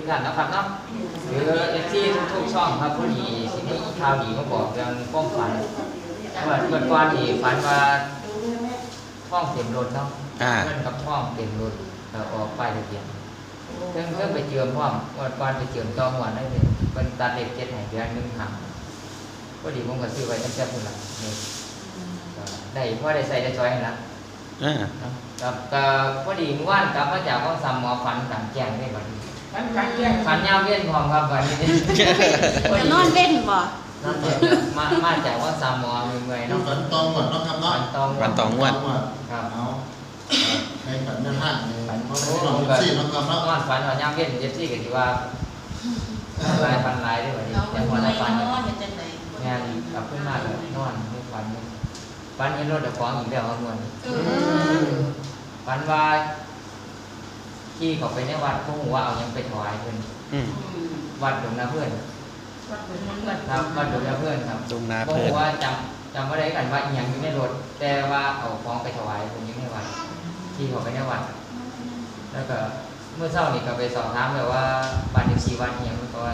ท่านนะครับเนาะหรือเอฟซีทุกช่องครับผู้ดีสิ่งที่ข่าวดีมาบอกเรื่องความฝันเมื่อก่อนที่ฝันว่าท้องเต็มรถเนาะเงินกับท้องเต็มรถออกป้ายทะเบียนเพิ่งไปเจิมพร้อมวันก่อนไปเจิมจองหัวได้เลยเป็นตัดเล็กเจ็ดแห่งเดือนหนึ่งครั้งก็ดีผมก็ซื้อไว้ตั้งแต่พุ่นละนี่ได้เพราะได้ใส่ได้จอยให้ละกับพอดีเมื่อวานกลับมาจากห้องซ้ำหมอฝันต่างแจ้งได้บัดนี้ฝันยาวเวียนพร้อมครับบัดนี้จะนอนเล่นบ่นอนเล่นมาจากห้องซ้ำหมอเมื่อยๆเนาะฝันตองหมดเนาะครับเนาะฝันตองหมดครับเอาให้ฝันแม่ท่านเลยฝันเขาโอ้เราผมสี่เนาะครับเนาะนอนฝันว่ายามเวียนเจ็บซี่ก็สิว่าลายฝันลายได้บัดนี้แต่หัวละฝันงานกลับขึ้นมาแล้วนอนไม่ฝันฝันเห็นรถแต่ของอีกแล้วครับมันฝันว่าที่เขาไปในวัดพวกหัวเอายังไปถวายเพื่อนวัดดงนาเพื่อนครับวัดดงนาเพื่อนครับดงนาพวกเพื่อนหัวจำว่าได้กันว่าอีหยังอยู่ในรถแต่ว่าเอาของไปถวายคนยังในวัดที่เขาไปในวัดแล้วก็เมื่อเช้านี่ก็ไปสอบถามแบบว่าบ้านเลขที่วัดอีหยังก็ว่า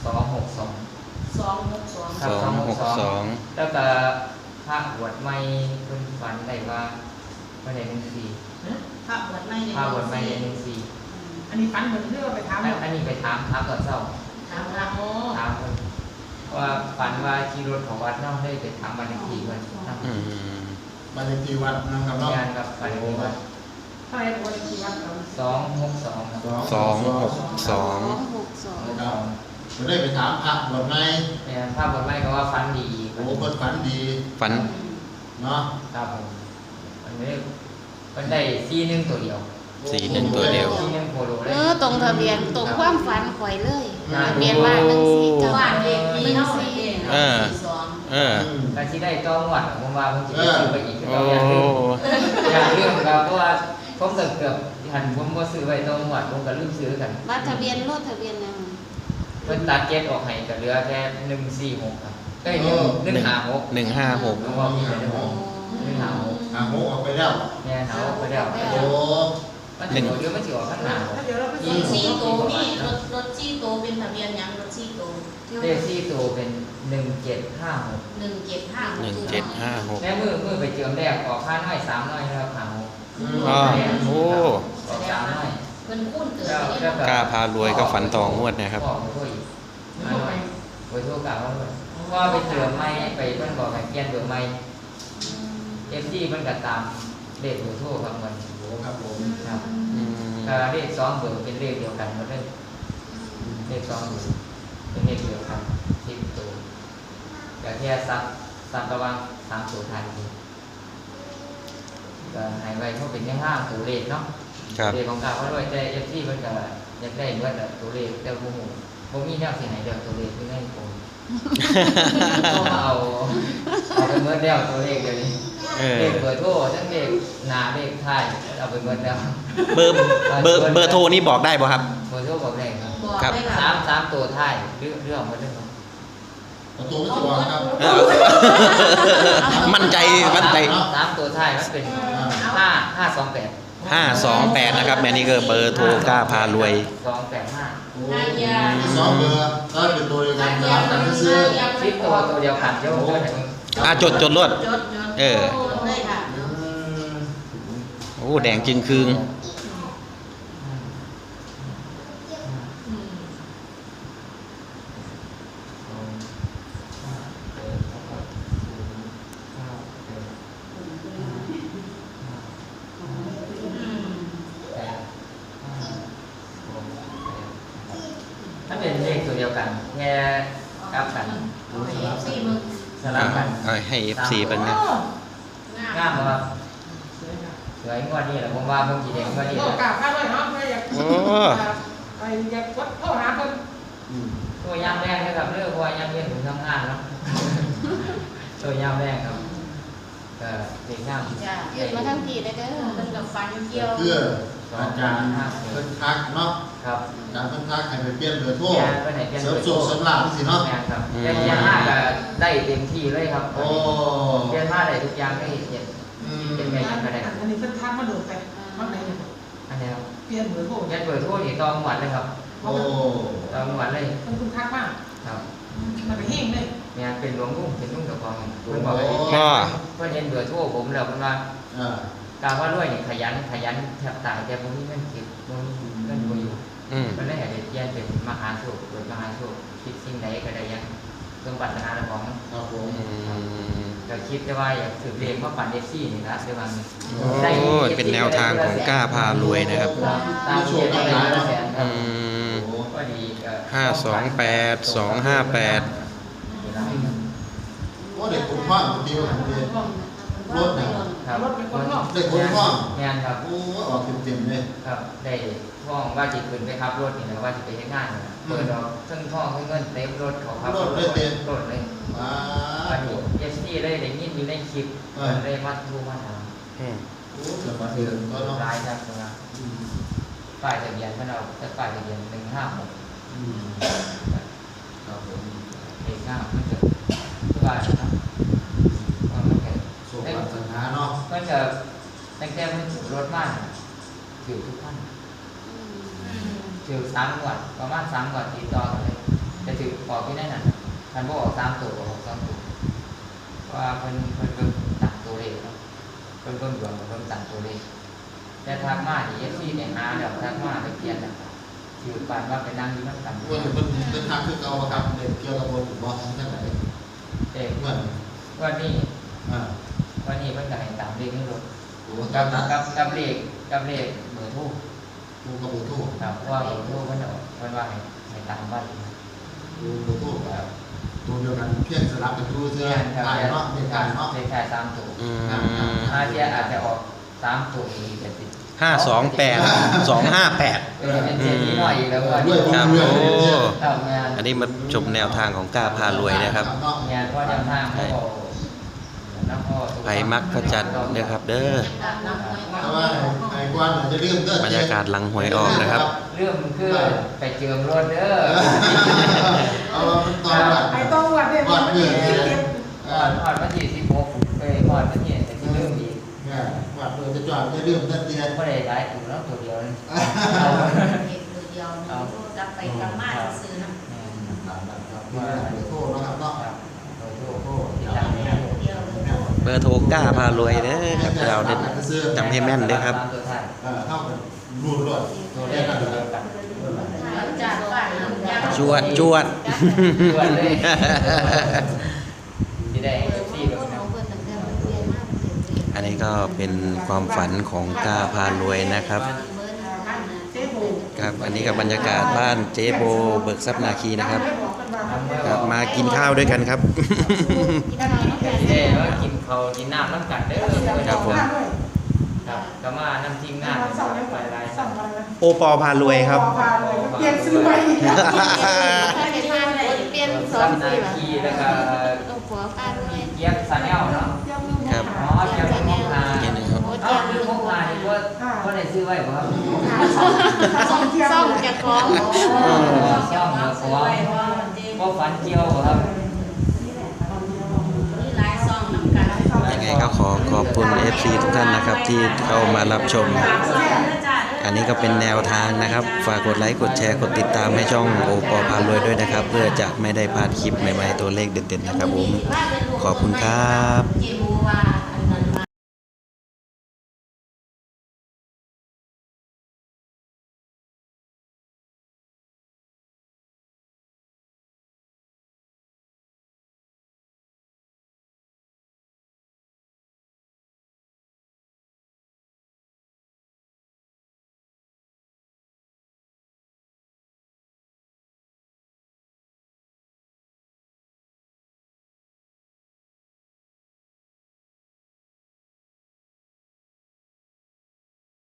262 แล้วก็พระบวชใหม่เพิ่นฝันได้ว่าเพิ่นได้14 พระบวชไม่ได้14 อันนี้ฝันเหมือนที่เราไปถามอันนี้ไปถามตอนเช้าถามเพิ่นว่าฝันว่าขี่รถของวัดเนาะได้ไปถามบ้านเลขที่เพิ่นบ้านเลขที่วัดนะครับเนาะงานกับบ้านเลขที่วัดเท่าไหร่ตัวเลขที่วัดเรา 262 ครับจะได้ไปถามพระบวชไหมเนี่ยพระบวชใหม่ก็ว่าฝันดีโอ้เพิ่นฝันดีฝันเนาะครับผมอันนี้มันได้41ตัวเดียว 41ตัวเดียว 41โคโลเลยตรงทะเบียนตรงความฝันข่อยเลยทะเบียนบ้าน149บ้านเลขที่เฮาเองก็สิได้ต้องวัดผมว่าผมสิไปซื้อไปอีกคือเอาอย่างเรื่องครับเพราะว่าผมก็เกือบหันผมบ่ซื้อไว้ต้องวัดผมก็ลืมซื้อกันบัตรทะเบียนรถทะเบียนยังเพิ่นตัดเก็ตออกให้ก็เหลือแค่146ครับได้156ผมว่ามีแต่156 หาโมออกไปแล้วแม่เอาไปแล้วโอ้มันสิเดี๋ยวมันสิออกข้างหน้ารถซี่โตมีรถซี่โตเป็นทะเบียนยังรถซี่โตเลขซี่โตเป็น1756 1756 แม่มือไปเจิมแรกออกค่าน้อย3น้อยนะครับหาโอ้ออก3น้อยเพิ่นคุ้นเกิดกล้าพารวยก็ฝันต่องวดนะครับไปทั่วกล่าวว่าไปเจิมไม่ไปเพิ่นบอกให้เปลี่ยนเบอร์ใหม่FD เพิ่นก็ตามเลขเบอร์โทรครับมันโอ้ครับผมครับเลข2เบอร์เป็นเลขเดียวกันหมดเลยเลข2เบอร์เป็นเลขเดียวกัน10ตัวก็แค่ซับระวัง3ตัวท้ายนี่ก็ให้ไว้เพราะเป็นแค่5ตัวเลขเนาะเลขของกล่าวว่าด้วยแต่ FD เพิ่นก็อยากได้เบิดตัวเลขแต่บ่ฮู้บ่มีแนวสิให้เลือกตัวเลขอยู่ในโพสก็เอาไปเบิดแล้วตัวเลขเดี๋ยวนี้เลขเบอร์โทรทั้งเลขหน้าเลขท้ายเอาไปเบิดแล้วเบอร์โทรนี่บอกได้ป่ะครับเบอร์โทรบอกได้ครับ 3ตัวท้ายเรื่องมาเรื่องตัวไม่ตัวครับมั่นใจ 3ตัวท้ายมันเป็น528 นะครับแม่นี่ก็เบอร์โทรกล้าพารวย 285 2เบอร์ก็เป็นตัวเดียวกันครับแต่ไม่ซื้อ 10ตัวเดียวกันเจ้าจดรวดโอ้แดงจริงคืงถ้าเป็นเลขตัวเดียวกันแค่กลับกันสลับกันให้ FC เป็นไงงามครับสวยงวดนี้แหละผมว่าผมจีเด็กงวดนี้กล่าวข้าวด้วยเนาะไม่อยากไปอยากวัดเข้าหาคนตัวยามแรกนะครับเรื่องว่ายามเย็นผมทำงานเนาะตัวยามแรกครับก็เด็กงามยืดมาทั้งทีเลยเด้อเป็นกับฟันเกี่ยวเพื่ออาจารย์เพิ่นทักเนาะครับอาจารย์เพิ่นทักให้ไปเปลี่ยนเบอร์โทรเสริมสุขสำราญสิเนาะครับเปลี่ยนมาก็ได้เต็มที่เลยครับโอ้เปลี่ยนมาได้ทุกอย่างได้เห็นเป็นไงก็ได้อันนี้เพิ่นทักมาโดดไปเมื่อไหร่อันนี้ครับเปลี่ยนเบอร์โทรนี่ต้องหวัดเลยครับโอ้ตามวันเลยมันคุณทักมากครับมันไปแห้งเลยเนี่ยเป็นหลวงลุงเป็นลุงตะกองเพิ่นบอกพ่อเพิ่นเห็นเบอร์โทรผมแล้วเพิ่นว่าอ่าการว่าด้วยนี่ขยันแทบตายแต่ผมนี่เงินเก็บบ่มีเงินบ่อยู่อืมมันเลยให้ได้เปลี่ยนเป็นมหาโชคเปิดมหาโชคคิดสิ่งใดก็ได้อยังสมปรารถนาของครับผมก็คิดแต่ว่าอยากถือเลขมาปั่นเอฟซีนี่นะเดี๋ยวมันโอ้ยเป็นแนวทางของกล้าพารวยนะครับตามที่ได้ละแสนครัอืบมโอ้ก็ดีก็ 528 โอ้เด็กคนพ่อคนเดียวคนเดียวรถเนี่ยครับรถเป็นคนนอกเด็กคนพ่องานครับโอ้ออกเต็มๆเลยครับได้ท่องว่าจิตขึ้นไปครับรถนี่นะว่าจะไปเฮ็ดงานนี่นะเปิดดอกทั้งท่องทั้งเงินเต็มรถเขาครับรถเลยว้าอันนี้เอฟซีได้ยินอยู่ในคลิปมันได้มาดูมาถามอืมโอ้เกิดมาเดือนก็เนาะรายครับนะป้ายทะเบียนเพิ่นเอาแต่ป้ายทะเบียน156 ครับผมเอกหน้ามันจะทุกบ้านนะครับว่ามันจะส่งมาสัญหาเนาะมันจะตั้งแต่มันถูกรถมากถือทุกท่านถือ3 งวดประมาณ3 งวดติดต่อกันเลยจะถือออกที่นั่นน่ะมันบ่ออก3 ตัวออก2 ตัวว่าเพิ่นตัดตัวเลขเนาะเพิ่นดวงเพิ่นตัดตัวเลขแต่ทางมาที่FCเนี่ยหาแล้วทางมาไปเปลี่ยนแล้วถือปานว่าไปนั่งอยู่นำกันวันนี้เป็นทางคือเก่าครับเด็กเกี่ยวกับบนบอสนั่นไหนเด็กเมื่อวันนี้อ่าวันนี้เพิ่นก็ให้ตามเลขในรถโอ้กักับ บนะกับเลขเบอร์โทรดูกระบุทู่ครับเพราะว่าเบอร์โทรมันเอามันว่าให้ตามบ้านดูกระบุทู่ครับตัวเดียวกันเพี้ยนสลับกันดูเสื้อครับลายเนาะเป็นการเนาะเลขท้าย3 ตัวอืมอาเทียอาจจะออก3 ตัวอีกแต่สิ 528 258 เป็นเศรษฐีหน่อยอีกแล้วก็ครับโอ้ทำงานอันนี้มาชมแนวทางของกล้าพารวยนะครับงานพ่อจำทางพ่อน้ำพ่อไผมักก็จัดเด้อครับ เด้อแต่ว่าไอ้กวนจะเริ่มเด้อบรรยากาศหลังหวยออกนะครับเรื่องมันคือไปเจิมรถเด้อเอาตอนแบบไอ้ต้องวัดเนี่ยมันไม่ได้เก็บก่อนวันที่16ก่อนวันที่จะเริ่มอีกเนี่ยวัดเพื่อจะจอดจะเริ่มนั่นเดียนไม่ได้ได้ถูกแล้วตัวเดียวเลยเด็กตัวเดียวนี่กลับไปกลับมาซื้อๆนะครับเดี๋ยวโทษนะครับเนาะเบอร์โทรกล้าพารวยเด้อครับเราเด็ดจำให้แม่นเด้อครับเท่ากันรูดรถตัวเลขเดียวกันจากบ้านน้ำยาจวดจวดตัวเลยที่ได้ที่แบบนั้นอันนี้ก็เป็นความฝันของกล้าพารวยนะครับเจ๊บูครับ อันนี้กับบรรยากาศบ้านเจ๊โบเบิกทรัพย์นาคีนะครับ ครับมากินข้าวด้วยกันครับที่ได้ว่ากินเขากินน้ำน้ำกัดเด้อครับผมครับก็มาน้ำจิ้มงานไปหลายสั่งอะไรนะโอปอพารวยครับพาเลยเปลี่ยนซื้อไปอีกแล้วเปลี่ยนๆสองนาสีละคีแล้วก็ต้องหัวป้าด้วยเยี่ยมซาแนลเนาะครับอ๋อเยี่ยมพกพาอีกทีหนึ่งครับโอ้เอ้าเจียมคือพกพานี่ว่าได้ซื้อไว้ป่ะครับส่งเทียมซ่อมจะคล้องซ่อมแล้วก็ฝันเกี่ยวครับนี่หลายซองน้ำกันยังไงก็ขอขอบคุณ FC ทุกท่านนะครับที่เข้ามารับชม อันนี้ก็เป็นแนวทางนะครับ ฝากกดไลค์กดแชร์กดติดตามให้ช่องโอปอพารวยด้วยนะครับ เพื่อจะไม่ได้พลาดคลิปใหม่ๆตัวเลขเด็ดๆนะครับผม ขอบคุณครับเจบูว่า